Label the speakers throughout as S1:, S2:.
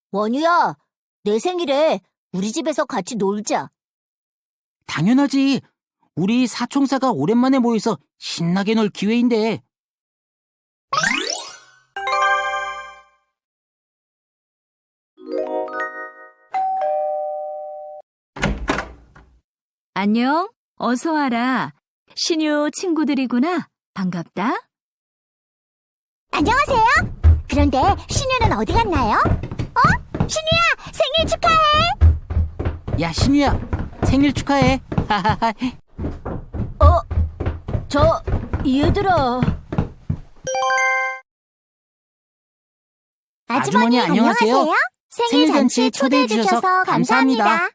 S1: 원유야, 내 생일에 우리 집에서 같이 놀자.
S2: 당연하지. 우리 사총사가 오랜만에 모여서 신나게 놀 기회인데.
S3: 안녕, 어서 와라. 신유 친구들이구나. 반갑다.
S1: 안녕하세요. 그런데 신유는 어디 갔나요? 신유야, 생일 축하해.
S2: 야, 신우야, 생일 축하해.
S1: 얘들아.
S2: 아주머니, 안녕하세요.
S1: 생일 잔치에 초대해 주셔서 감사합니다.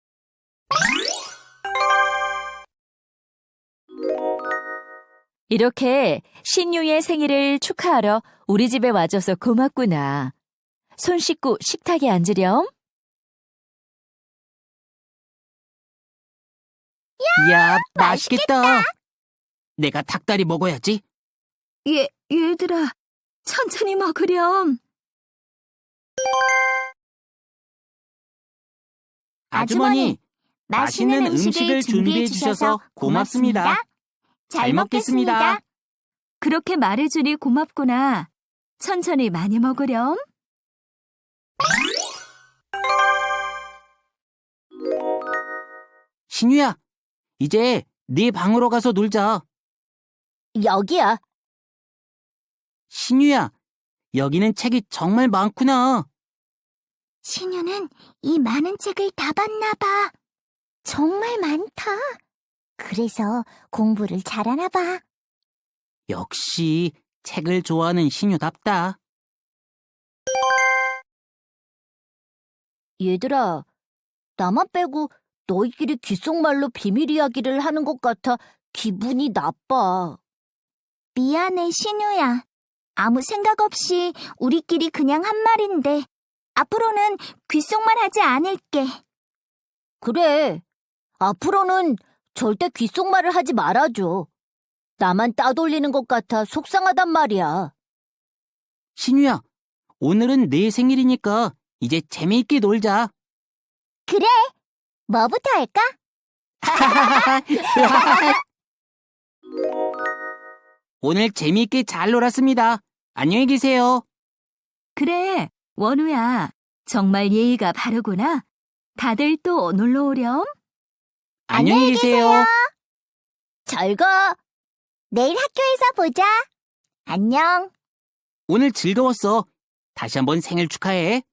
S3: 이렇게 신유의 생일을 축하하러 우리 집에 와줘서 고맙구나. 손 씻고 식탁에 앉으렴.
S2: 이야, 맛있겠다. 내가 닭다리 먹어야지.
S3: 얘들아, 천천히 먹으렴.
S2: 아주머니, 맛있는 음식을 준비해 주셔서 고맙습니다. 잘 먹겠습니다.
S3: 그렇게 말해주니 고맙구나. 천천히 많이 먹으렴.
S2: 신우야, 이제 네 방으로 가서 놀자.
S1: 여기야.
S2: 신우야, 여기는 책이 정말 많구나.
S1: 신유는 이 많은 책을 다 봤나 봐. 정말 많다. 그래서 공부를 잘하나 봐.
S2: 역시 책을 좋아하는 신우답다.
S1: 얘들아, 나만 빼고 너희끼리 귓속말로 비밀 이야기를 하는 것 같아 기분이 나빠. 미안해, 신유야. 아무 생각 없이 우리끼리 그냥 한 말인데 앞으로는 귓속말 하지 않을게. 그래. 앞으로는 절대 귓속말을 하지 말아줘. 나만 따돌리는 것 같아 속상하단 말이야.
S2: 신우야, 오늘은 내 생일이니까 이제 재미있게 놀자.
S1: 그래. 뭐부터 할까?
S2: 오늘 재미있게 잘 놀았습니다. 안녕히 계세요.
S3: 그래, 원우야. 정말 예의가 바르구나. 다들 또 놀러 오렴.
S2: 안녕히 계세요.
S1: 잘 가. 내일 학교에서 보자. 안녕.
S2: 오늘 즐거웠어. 다시 한번 생일 축하해.